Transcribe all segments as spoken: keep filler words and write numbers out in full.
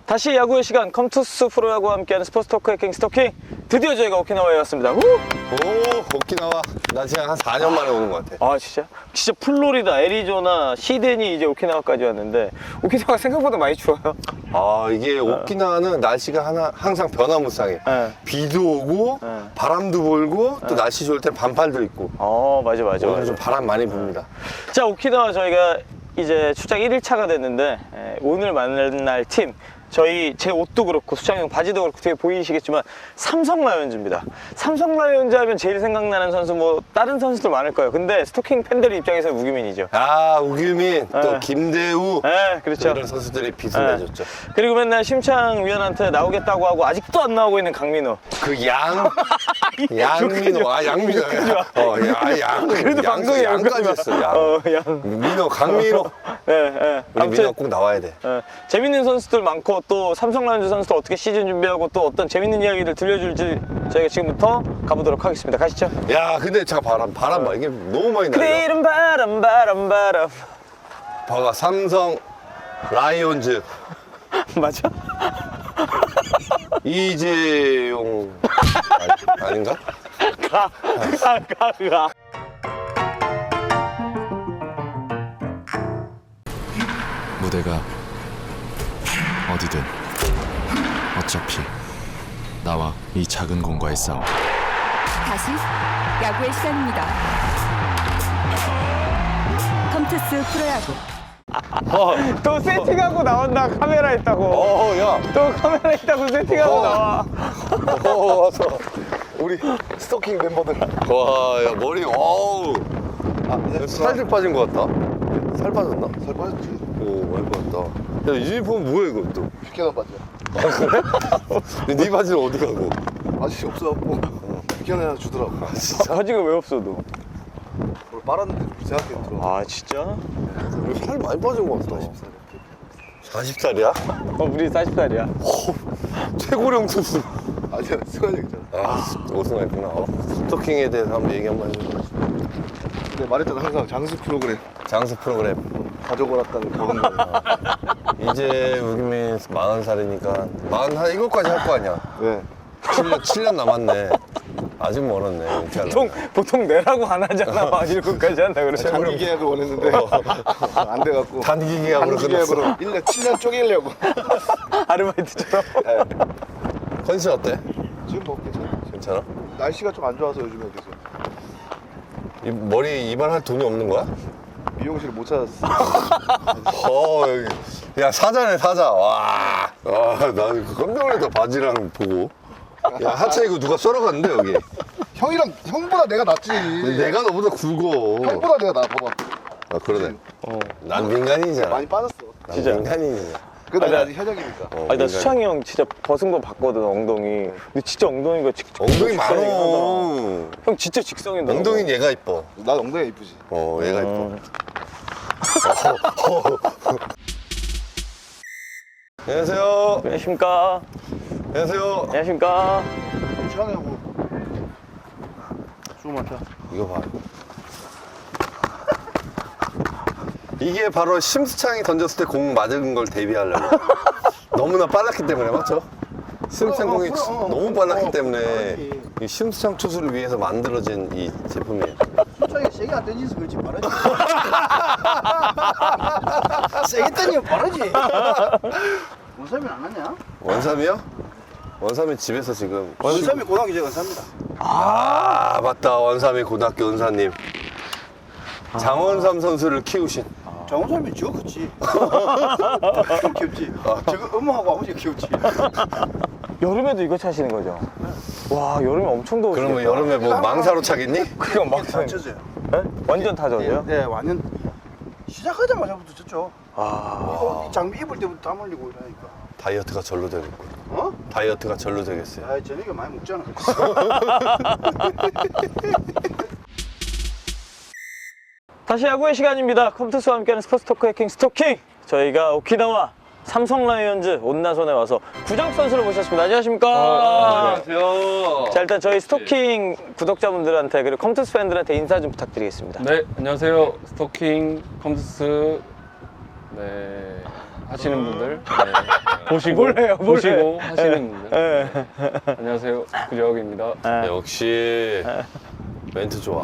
다시 야구의 시간, 컴투스 프로야구와 함께하는 스포츠 토크 해킹 스토킹. 드디어 저희가 오키나와에 왔습니다. 우! 오, 오키나와. 나 지금 한 사 년 만에 오는 것 같아. 아 진짜? 진짜 플로리다, 애리조나, 시드니 이제 오키나와까지 왔는데 오키나와가 생각보다 많이 추워요. 아, 이게 오키나와는 날씨가 하나, 항상 변화무쌍해. 네. 비도 오고, 네. 바람도 불고, 또 날씨 좋을 땐 반팔도 입고. 어 맞아 맞아. 오늘 맞아. 좀 바람 많이 붑니다. 자, 오키나와 저희가 이제 출장 일 일차가 됐는데 에, 오늘 만날 팀 저희 제 옷도 그렇고 수창형 바지도 그렇고 되게 보이시겠지만 삼성 라이온즈입니다. 삼성 라이온즈 하면 제일 생각나는 선수 뭐 다른 선수들 많을 거예요. 근데 스토킹 팬들 입장에서 우규민이죠. 아, 우규민, 또 네. 김대우. 네, 그렇죠. 이런 선수들이 빛을 네. 내줬죠. 그리고 맨날 심창 위원한테 나오겠다고 하고 아직도 안 나오고 있는 강민호. 그 양, 양민호. 아, 양민호. 어, 야, 양. 그래도 양, 방송에 양까지 했어, 양. 어, 양. 민호, 강민호. 네, 네. 우리 민호 아무튼 꼭 나와야 돼. 어, 재밌는 선수들 많고 또 삼성 라이온즈 선수들 어떻게 시즌 준비하고 또 어떤 재밌는 이야기를 들려줄지 저희가 지금부터 가보도록 하겠습니다. 가시죠. 야, 근데 자, 바람, 바람 봐. 이게 너무 많이 날려. 그리는 바람 바람 바람. 봐봐, 삼성 라이온즈 맞아? 이재용 아니, 아닌가? 가, 가, 가, 가. 무대가 어디든 어차피 나와 이 작은 공과의 싸움. 다시 야구의 시간입니다. 컴투스 프로야구. 또 세팅하고 나온다. 카메라 있다고. 어, 야. 또 카메라 있다고 세팅하고 어. 나와. 어, 와서 우리 스토킹 멤버들. 와, 야, 머리, 어우. 아, 살좀 빠진 것 같다. 살 빠졌나? 살 빠졌지. 오, 많이 빠졌다. 야, 이 유니폼 뭐야, 이거 또? 피켓한 바지야. 아, 그래? 근데 네 바지는 어디 가고? 바지 없어갖고 피켓 하나 주더라고. 바지가 왜 없어 너? 오늘 빨았는데 생각해 들어. 아 진짜? 살 많이 빠진 것 같다. 사십 살이야? 어 우리 사십 살이야. 최고령 투수. 아니야, 승환이 있잖아. 아, 우승했구나. 어. 스토킹에 대해서 한번 얘기 한번 해줘. 근데 말했잖아, 항상 장수 프로그램 장수 프로그램. 가져오랐다는 그런 거. 이제 우기민 마흔 살이니까 마흔 한 일곱까지 할 거 아니야. 왜? 칠 년, 칠 년 남았네. 아직 멀었네. 보통 보통 내라고 안 하잖아. 막 일곱까지 한다 그러죠. 장기 계약을 원했는데 안 돼갖고 단기 계약으로 단기 끝났어. 계약으로 일 년, 칠 년 쪼개려고. 아르바이트처럼. 컨디션 어때? 지금 뭐 괜찮아. 괜찮아? 날씨가 좀 안 좋아서 요즘에 계속 이 머리 이발할 돈이 없는 거야? 미용실을 못 찾았어. 어, 여기. 야, 사자네, 사자. 와. 아, 나는 깜짝 놀랐다, 바지랑 보고. 야, 하체 이거 누가 썰어갔는데, 여기. 형이랑 형보다 내가 낫지. 내가 너보다 굵어. 형보다 내가 나 봐봐. 아, 그러네. 어. 난 민간인이잖아. 많이 빠졌어. 난 진짜. 민간인이야. 근데 아니, 나 아직 현역이니까. 어, 아니 나 민간인. 수창이 형 진짜 벗은 거 봤거든 엉덩이. 근데 진짜 엉덩이가 직, 엉덩이 직선이긴 많어. 하다. 형 진짜 직성이다. 엉덩이는 얘가 이뻐. 나 엉덩이가 이쁘지. 어, 얘가 이뻐. 음. 안녕하세요. 안녕하십니까. 안녕하세요. 안녕하십니까. 시원하고 수고 많다. 이거 봐. 이게 바로 심수창이 던졌을 때 공 맞은 걸 대비하려고. 너무나 빨랐기 때문에, 맞죠? 심수창 어, 어, 공이 어, 어, 너무 어, 빨랐기 어, 때문에 그렇지. 이 심수창 투수를 위해서 만들어진 이 제품이에요. 수창이 세게 안 던지서 그렇지 빠르지. 세게 던지면 빠르지. 원삼이 안 하냐? 원삼이요? 원삼이 집에서 지금. 원삼이 고등학교 제 원삼입니다. 아, 맞다. 원삼이 고등학교 은사님. 장원삼 선수를 키우신. 정원삼이 저 그치. 귀엽지. 저거 엄마하고 아버지가 귀엽지. 여름에도 이거 차시는 거죠? 와 여름에 엄청 더우시겠다. 그러면 여름에 뭐 망사로 차겠니? 그냥 막 맞춰져요. 네? 완전 타전이요? 네, 완전 시작하자마자부터 졌죠. 아 이거 이 장비 입을 때부터 땀 흘리고 이러니까. 다이어트가 절로 되겠군. 어? 다이어트가 절로 되겠어요. 아, 저녁에 많이 먹잖아. 다시 야구의 시간입니다. 컴투스와 함께하는 스포츠 토크 해킹 스토킹. 저희가 오키나와 삼성 라이온즈 온나손에 와서 구장 선수를 모셨습니다. 안녕하십니까? 안녕하세요. 자 일단 저희 스토킹 구독자분들한테 그리고 컴투스 팬들한테 인사 좀 부탁드리겠습니다. 네, 안녕하세요. 스토킹 컴투스. 네. 하시는 분들 네, 보시고 뭘 해요, 뭘 보시고 해? 하시는 분들. 네. 안녕하세요, 구재혁입니다. 역시 멘트 좋아.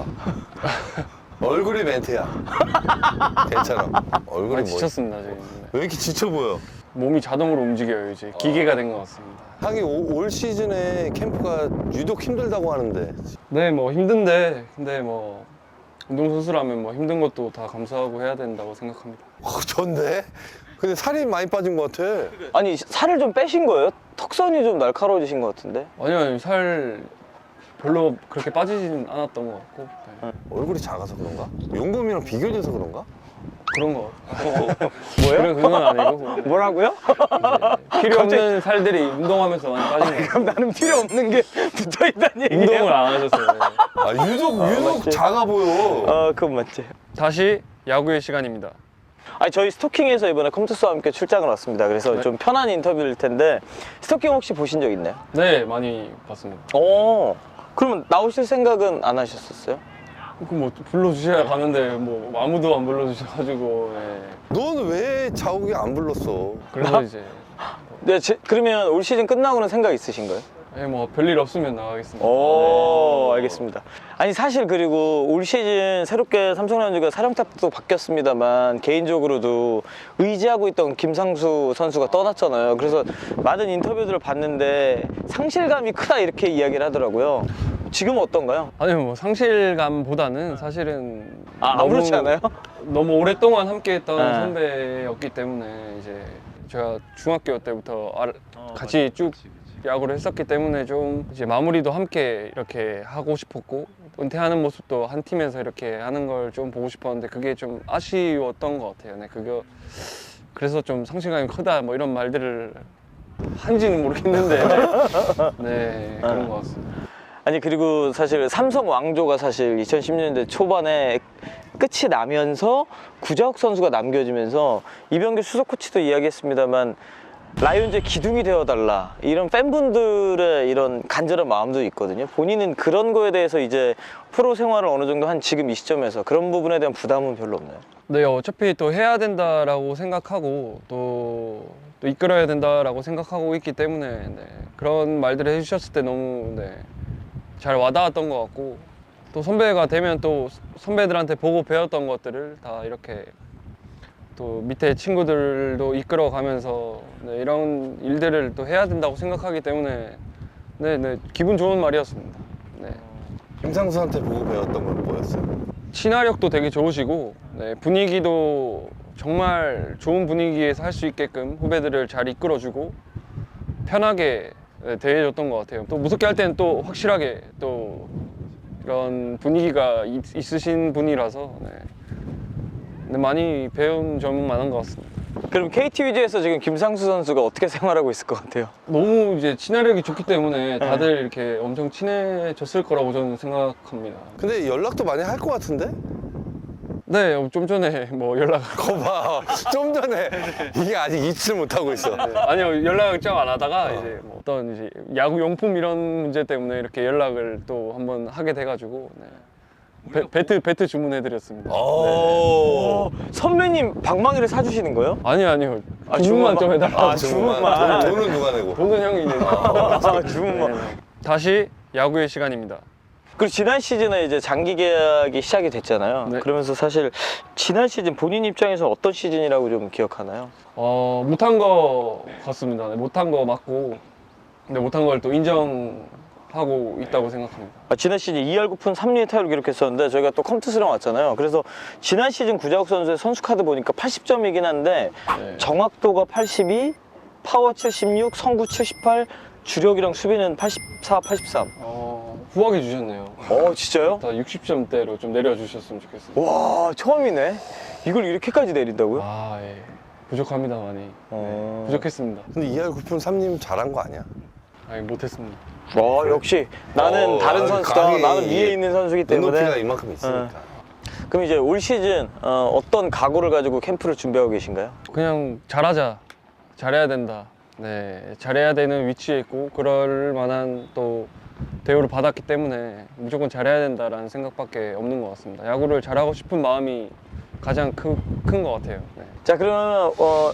얼굴이 멘트야. 괜찮아. 얼굴이 많이 뭐? 지쳤습니다 지금. 네. 왜 이렇게 지쳐 보여? 몸이 자동으로 움직여요 이제 기계가 된 것 같습니다. 하긴 오- 올 시즌에 캠프가 유독 힘들다고 하는데. 네, 뭐 힘든데 근데 뭐 운동선수라면 뭐 힘든 것도 다 감수하고 해야 된다고 생각합니다. 어, 전데? 근데 살이 많이 빠진 것 같아. 아니 살을 좀 빼신 거예요? 턱선이 좀 날카로워지신 것 같은데? 아니요, 아니요, 살 별로 그렇게 빠지진 않았던 것 같고 네. 얼굴이 작아서 그런가? 용범이랑 비교돼서 그런가? 그런 거 뭐예요? 그런 그건 아니고 뭐라고요? 필요 없는 살들이 운동하면서 많이 빠진 것 같아요. 그럼 나는 필요 없는 게 붙어 있다는 얘기예요? 운동을 안 하셔서 네. 아, 유독, 유독 맞지? 작아 보여. 어, 그건 맞지. 다시 야구의 시간입니다. 아니 저희 스토킹에서 이번에 컴투스와 함께 출장을 왔습니다. 그래서 네. 좀 편한 인터뷰일 텐데 스토킹 혹시 보신 적 있나요? 네, 많이 봤습니다. 어. 그러면 나오실 생각은 안 하셨었어요? 그뭐 불러주셔야 가는데 뭐 아무도 안 불러주셔가지고 네. 넌 왜 자욱이 안 불렀어? 그래서 이제 네, 제- 그러면 올 시즌 끝나고는 생각 있으신가요? 네, 뭐 별일 없으면 나가겠습니다. 오, 알겠습니다. 아니 사실 그리고 올 시즌 새롭게 삼성 라이온즈가 사령탑도 바뀌었습니다만 개인적으로도 의지하고 있던 김상수 선수가 떠났잖아요. 그래서 많은 인터뷰들을 봤는데 상실감이 크다 이렇게 이야기를 하더라고요. 지금은 어떤가요? 아니 뭐 상실감보다는 사실은 아, 아무렇지 않아요? 너무 오랫동안 함께했던 네. 선배였기 때문에 이제 제가 중학교 때부터 알- 어, 같이 쭉 야구를 했었기 때문에 좀 이제 마무리도 함께 이렇게 하고 싶었고 은퇴하는 모습도 한 팀에서 이렇게 하는 걸 좀 보고 싶었는데 그게 좀 아쉬웠던 것 같아요. 네, 그거 그래서 좀 상실감이 크다 뭐 이런 말들을 한지는 모르겠는데 네 그런 것 같습니다. 아니 그리고 사실 삼성 왕조가 사실 이천십 년대 초반에 끝이 나면서 구자욱 선수가 남겨지면서 이병규 수석 코치도 이야기했습니다만 라이온즈의 기둥이 되어달라 이런 팬분들의 이런 간절한 마음도 있거든요. 본인은 그런 거에 대해서 이제 프로 생활을 어느 정도 한 지금 이 시점에서 그런 부분에 대한 부담은 별로 없나요? 네, 어차피 또 해야 된다라고 생각하고 또, 또 이끌어야 된다라고 생각하고 있기 때문에 네, 그런 말들을 해주셨을 때 너무 네, 잘 와닿았던 것 같고 또 선배가 되면 또 선배들한테 보고 배웠던 것들을 다 이렇게 또 밑에 친구들도 이끌어가면서 네, 이런 일들을 또 해야 된다고 생각하기 때문에 네, 네, 기분 좋은 말이었습니다. 네. 김상수한테 보고 배웠던 건 뭐였어요? 친화력도 되게 좋으시고 네, 분위기도 정말 좋은 분위기에서 할 수 있게끔 후배들을 잘 이끌어주고 편하게 네, 대해줬던 것 같아요. 또 무섭게 할 때는 또 확실하게 또 이런 분위기가 있, 있으신 분이라서 네. 네, 많이 배운 점은 많은 것 같습니다. 그럼 케이티 위즈에서 지금 김상수 선수가 어떻게 생활하고 있을 것 같아요? 너무 이제 친화력이 좋기 때문에 다들 이렇게 엄청 친해졌을 거라고 저는 생각합니다. 근데 연락도 많이 할 것 같은데? 네, 좀 전에 뭐 연락 거봐. 좀 전에 이게 아직 잊지를 못하고 있어. 네, 아니요 연락을 좀 안 하다가 이제 뭐 어떤 이제 야구 용품 이런 문제 때문에 이렇게 연락을 또 한번 하게 돼가지고 네. 배, 배트 배트 주문해드렸습니다. 오. 선배님 방망이를 사주시는 거예요? 아니요 아니요 아, 주문만 좀 해달라고. 아, 주문만. 돈- 돈은 누가 내고? 돈은 형이 있는. 아, 주문만. 다시 야구의 시간입니다. 그리고 지난 시즌에 이제 장기 계약이 시작이 됐잖아요. 네. 그러면서 사실 지난 시즌 본인 입장에서 어떤 시즌이라고 좀 기억하나요? 어 못한 거 같습니다. 네, 못한 거 맞고 근데 못한 걸 또 인정하고 있다고 생각합니다. 아, 지난 시즌 이 할 구 푼 삼 리의 타율을 기록했었는데 저희가 또 컴투스랑 왔잖아요. 그래서 지난 시즌 구자욱 선수의 선수 카드 보니까 팔십 점이긴 한데 네. 정확도가 팔십이, 파워 칠십육, 성구 칠십팔, 주력이랑 수비는 팔십사, 팔십삼. 어 후하게 주셨네요. 어 진짜요? 다 육십 점대로 좀 내려주셨으면 좋겠습니다. 와 처음이네. 이걸 이렇게까지 내린다고요? 아 예. 부족합니다 많이. 어... 부족했습니다. 근데 이할 구 푼 삼님 잘한 거 아니야? 아니 못했습니다. 와 역시 나는 어, 다른 아, 선수다. 감이 나는 위에 있는 선수기 때문에. 눈높이가 이만큼 있으니까. 그럼 이제 올 시즌 어, 어떤 각오를 가지고 캠프를 준비하고 계신가요? 그냥 잘하자, 잘해야 된다. 네, 잘해야 되는 위치에 있고 그럴 만한 또 대우를 받았기 때문에 무조건 잘해야 된다라는 생각밖에 없는 것 같습니다. 야구를 잘하고 싶은 마음이 가장 큰 것 같아요. 네. 자 그러면 어,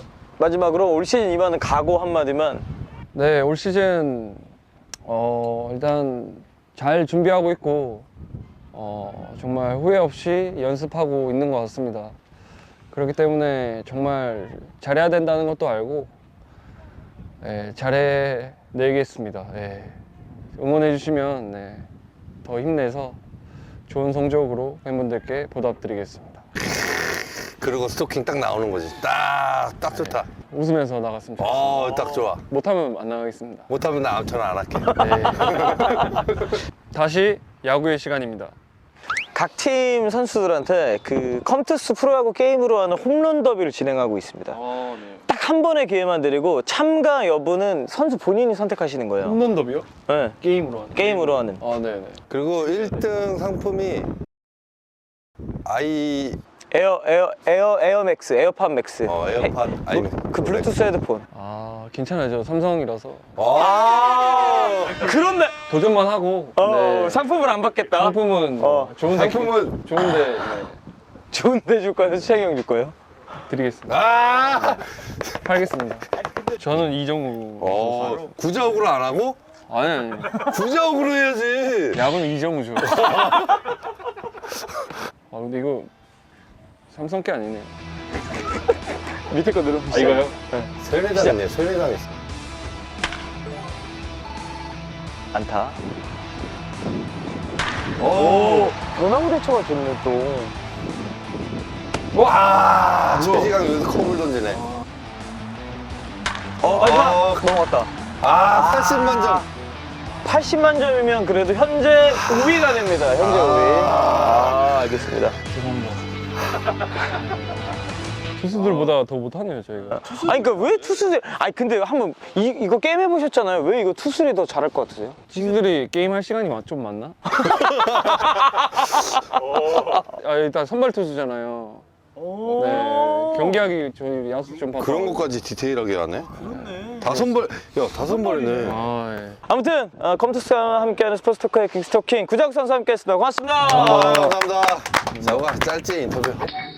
마지막으로 올 시즌 임하는 각오 한마디만. 네, 올 시즌 어, 일단 잘 준비하고 있고 어, 정말 후회 없이 연습하고 있는 것 같습니다. 그렇기 때문에 정말 잘해야 된다는 것도 알고 네, 잘해내겠습니다. 네. 응원해 주시면 네, 더 힘내서 좋은 성적으로 팬분들께 보답드리겠습니다. 그리고 스토킹 딱 나오는 거지. 딱, 딱 좋다. 웃으면서 나갔으면 좋겠습니다. 어, 딱 좋아. 못하면 안 나가겠습니다. 못하면 나 저는 안 할게. 네. 다시 야구의 시간입니다. 각 팀 선수들한테 그 컴투스 프로야구 게임으로 하는 홈런 더비를 진행하고 있습니다. 아, 네. 딱 한 번의 기회만 드리고 참가 여부는 선수 본인이 선택하시는 거예요. 홈런 더비요? 네, 게임으로 하는. 게임으로 하는. 아, 네, 네. 그리고 일 등 상품이 아이, 에어 에어 에어 에어맥스 에어팟 맥스. 어, 에어팟 헤- 아이 뭐, 그 블루투스 헤드폰. 아, 괜찮아요. 저 삼성이라서 아, 그런데 도전만 하고. 어, 네. 상품을 안 받겠다. 상품은 어, 좋은데 상품은 좋은데 네, 좋은데 줄 거예요? 수창이 형 줄 거예요? 드리겠습니다. 아, 팔겠습니다. 저는 이정우. 어, 구자욱으로 안 하고 아니 아니. 구자욱으로 해야지. 야구는 이정우죠. 아 근데 이거 삼성 게 아니네. 밑에 거 누르면 아 이거요? 설레당했네, 설레당했어. 안타. 오, 변화구 대처가 좋네 또. 와, 최지강 여기서 컵을 던지네. 어 마지막 어, 넘어갔다. 아, 팔십만 점. 팔십만 점이면 그래도 현재 오 위가 됩니다. 현재 오 위. 아 알겠습니다. 투수들보다 더 못하네요 저희가. 아니 그러니까 왜 투수들? 아니 근데 한번 이 이거 게임 해보셨잖아요. 왜 이거 투수들이 더 잘할 것 같으세요? 투수들이 게임 할 시간이 많- 좀 많나? 아 일단 선발 투수잖아요. 네 경기하기 저희 야수 좀 바빠. 그런 것까지 디테일하게 하네. 그렇네. 다섯 벌, 야, 다섯 벌이네. 아 예. 아무튼 어, 컴투스와 함께하는 스포츠 토크의 킹스토킹 구자욱 선수 함께했습니다. 고맙습니다. 아, 감사합니다. 자우가 짧지 인터뷰.